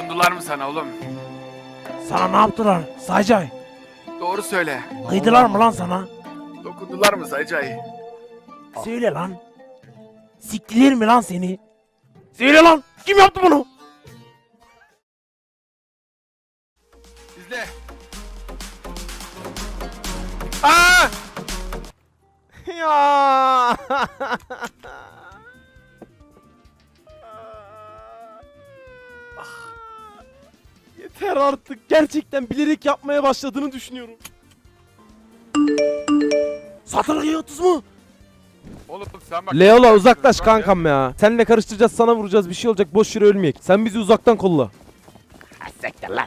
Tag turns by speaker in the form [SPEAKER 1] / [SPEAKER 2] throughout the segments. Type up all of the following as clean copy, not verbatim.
[SPEAKER 1] Dokundular mı sana oğlum?
[SPEAKER 2] Sana ne yaptılar Saycay?
[SPEAKER 1] Doğru söyle.
[SPEAKER 2] Kıydılar mı lan sana?
[SPEAKER 1] Dokundular mı Saycay?
[SPEAKER 2] Söyle lan. Siktiler mi lan seni? Söyle lan. Kim yaptı bunu?
[SPEAKER 1] İzle. Aa!
[SPEAKER 2] Ya. Yeter artık. Gerçekten bilerek yapmaya başladığını düşünüyorum. Satılık 30 mu?
[SPEAKER 1] Oğlum sen bak.
[SPEAKER 2] Leola uzaklaş kankam ya. Seninle karıştıracağız, sana vuracağız, bir şey olacak, boş yere ölmeyek. Sen bizi uzaktan kolla. Sektir lan.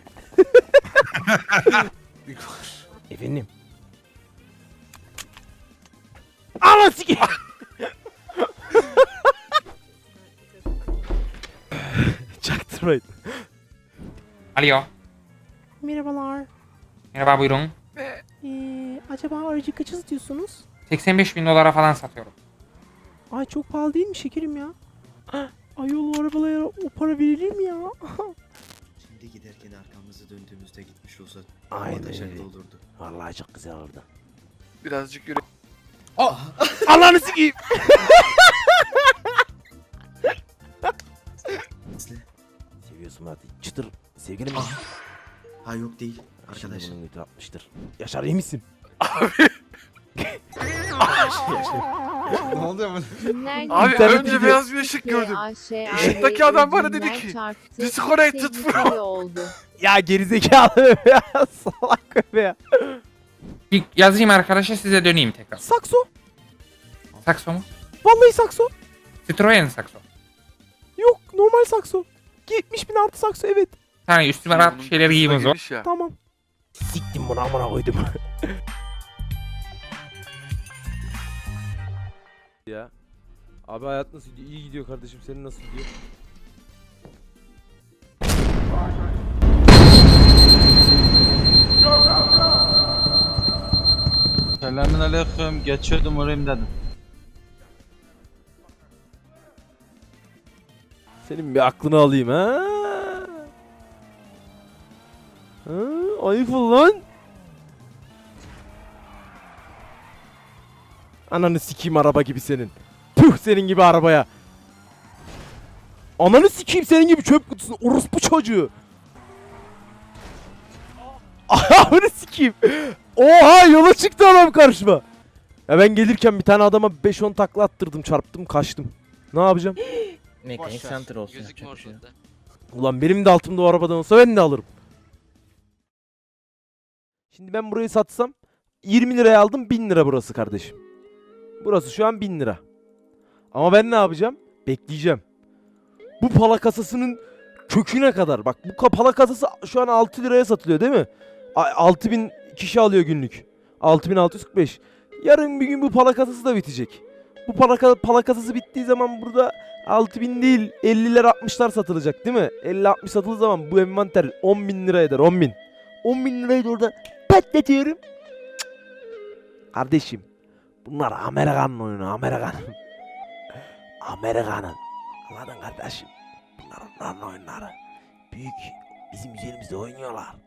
[SPEAKER 2] Efendim. Ana siki. Çaktırmayın.
[SPEAKER 3] Alo.
[SPEAKER 4] Merhabalar.
[SPEAKER 3] Merhaba buyurun.
[SPEAKER 4] Acaba aracı kaç istiyorsunuz?
[SPEAKER 3] 85.000 dolara falan satıyorum.
[SPEAKER 4] Ay çok pahalı değil mi şekerim ya? Ayol o arabalara o para verilir mi ya?
[SPEAKER 5] Şimdi giderken arkamızı döndüğümüzde gitmiş olsa
[SPEAKER 2] Aynen
[SPEAKER 5] ateşli
[SPEAKER 2] öyle.
[SPEAKER 5] olurdu.
[SPEAKER 2] Vallahi çok güzel oldu.
[SPEAKER 1] Birazcık yürü.
[SPEAKER 2] Allah'ını sikeyim.
[SPEAKER 5] Nesli?
[SPEAKER 2] Seviyorsun hadi. Çıtır. Sevgilim mi?
[SPEAKER 5] Ha yok değil
[SPEAKER 2] Arkadaş.
[SPEAKER 5] arkadaş.
[SPEAKER 2] Bunun götü atmıştır. Yaşar iyi misin?
[SPEAKER 6] Ne oluyor bu?
[SPEAKER 1] Abi
[SPEAKER 2] İnternet
[SPEAKER 1] önce
[SPEAKER 2] gidiyor.
[SPEAKER 1] beyaz bir ışık gördüm. Işıktaki adam bana dedi ki, "Disconnected bro."
[SPEAKER 4] Oldu.
[SPEAKER 2] Ya gerizekalı ya. Salak be ya.
[SPEAKER 3] Bir yazayım arkadaşa size döneyim tekrar.
[SPEAKER 2] Sakso.
[SPEAKER 3] Sakso mu?
[SPEAKER 2] Vallahi sakso.
[SPEAKER 3] Citroen sakso.
[SPEAKER 2] Yok normal sakso. 70.000 artı sakso evet.
[SPEAKER 3] Yani üstüme rahat bir şeyler giyeyim o zaman.
[SPEAKER 1] Geniş ya.
[SPEAKER 2] Tamam. Siktim bunu amına koydum. Ya. Abi hayat nasıl gidiyor? İyi gidiyor kardeşim. Senin nasıl gidiyor?
[SPEAKER 6] Selamünaleyküm. Geçiyordum uğrayayım dedim.
[SPEAKER 2] Senin bir aklını alayım ha. Ha, ayıp ol lan. Ananı sikeyim araba gibi senin. Tüh senin gibi arabaya. Ananı sikeyim senin gibi çöp kutusunu. Orospu çocuğu. Ananı sikeyim. Oha yola çıktı adam karşıma. Ya ben gelirken bir tane adama 5-10 takla attırdım, çarptım, kaçtım. Ne yapacağım?
[SPEAKER 7] Mekanik center olsun. yapacak bir şey yok.
[SPEAKER 2] Ulan benim de altımda o arabadan olsa ben de alırım. Şimdi ben burayı satsam 20 liraya aldım, 1000 lira burası kardeşim. Burası şu an 1000 lira. Ama ben ne yapacağım? Bekleyeceğim. Bu pala kasasının köküne kadar. Bak bu pala kasası şu an 6 liraya satılıyor değil mi? 6000 kişi alıyor günlük. 6645. Yarın bir gün bu pala kasası da bitecek. Bu pala kasası bittiği zaman burada 6000 değil 50'ler 60'lar satılacak değil mi? 50-60 satıldığı zaman bu envanter 10.000 lira eder, 10.000. 10.000 lirayı da orada patlatıyorum. Kardeşim bunlar Amerikan'ın oyunu, Amerikan'ın. Amerikan'ın. Anladın kardeşim? Bunlar onların oyunları. Büyük bizim üzerimizde oynuyorlar.